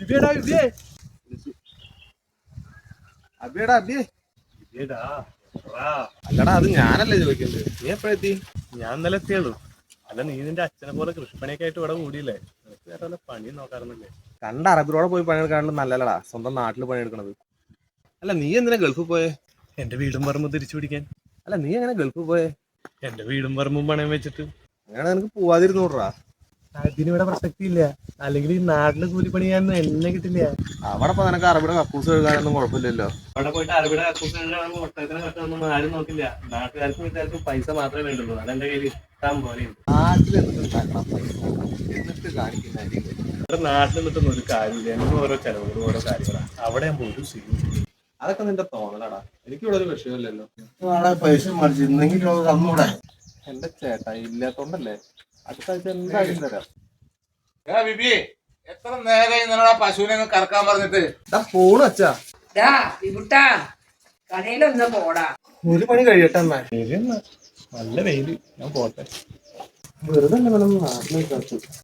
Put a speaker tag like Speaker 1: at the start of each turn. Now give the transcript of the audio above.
Speaker 1: അല്ലടാ, അത് ഞാനല്ലേ ചോദിക്കുന്നത്. നീ എപ്പോഴെത്തി?
Speaker 2: ഞാൻ ഇന്നലെ എത്തിയുള്ളൂ. അല്ല, നീ നിന്റെ അച്ഛനെ പോലെ കൃഷിപ്പണിയൊക്കെ ആയിട്ട് ഇവിടെ കൂടിയില്ലേ? നിനക്ക് വേറെ വല്ല പണിയും നോക്കാറുന്നില്ലേ?
Speaker 1: കണ്ട അറബിയോടെ പോയി പണിയെടുക്കാണ്ട് നല്ലല്ലടാ സ്വന്തം നാട്ടിൽ പണിയെടുക്കണത്. അല്ല, നീ എന്തിനാ ഗൾഫിൽ പോയേ?
Speaker 2: എന്റെ വീടും പറമ്പും തിരിച്ചു പിടിക്കാൻ.
Speaker 1: അല്ല, നീ എങ്ങനെ ഗൾഫിൽ പോയേ?
Speaker 2: എന്റെ വീടും പറമ്പും പണയം വെച്ചിട്ട്.
Speaker 1: അങ്ങനെ നിനക്ക് പോവാതിരുന്നൂടാ.
Speaker 2: അതിനിവിടെ പ്രസക്തി ഇല്ല. അല്ലെങ്കിൽ ഈ നാട്ടില് കൂലിപ്പണി ചെയ്യാനൊന്നും എന്നെ കിട്ടില്ല.
Speaker 1: അവിടെ ഇപ്പൊ നിനക്ക് അറബിയുടെ കക്കൂസ് എഴുതാനൊന്നും കുഴപ്പമില്ലല്ലോ.
Speaker 2: അവിടെ പോയിട്ട് അറബിയുടെ കക്കൂസ് ഒട്ടകത്തിന് കട്ടൊന്നും ആരും നോക്കില്ല. നാട്ടുകാർക്കും വീട്ടുകാർക്കും പൈസ മാത്രമേ വേണ്ടുള്ളൂ. അതെന്റെ കയ്യിൽ ഇഷ്ടം പോലെയുണ്ട്.
Speaker 1: നാട്ടിൽ എന്നിട്ട് പൈസ എന്നിട്ട് കാണിക്കുന്നതായിരിക്കും.
Speaker 2: ഇവിടെ നാട്ടിൽ നിന്നിട്ടൊന്നും ഒരു കാര്യമില്ല. എന്നും ഓരോ ചെലവുകളും ഓരോ കാര്യങ്ങളാണ്. അവിടെ ആകുമ്പോൾ ഒരു സീൻ.
Speaker 1: അതൊക്കെ നിന്റെ തോന്നലാടാ. എനിക്കിവിടെ ഒരു വിഷയമില്ലല്ലോ.
Speaker 3: പൈസ മറിച്ചിരുന്നെങ്കിൽ തന്നൂടെ?
Speaker 1: എന്റെ ചേട്ടാ ഇല്ലാത്തോണ്ടല്ലേ. അടുത്ത ആഴ്ച എന്തായാലും തരാം.
Speaker 3: ബിബി, എത്ര നേരമായി നിങ്ങളാ പശുവിനെ കറക്കാൻ പറഞ്ഞിട്ട്?
Speaker 1: ഫോണ് വെച്ചാ
Speaker 4: കടയിലൊന്ന് പോടാ.
Speaker 1: ഒരു പണി കഴിയട്ടെ.
Speaker 2: നല്ല വെയില്. ഞാൻ പോട്ടെ.
Speaker 1: വെറുതെ നാട്ടിലേക്ക്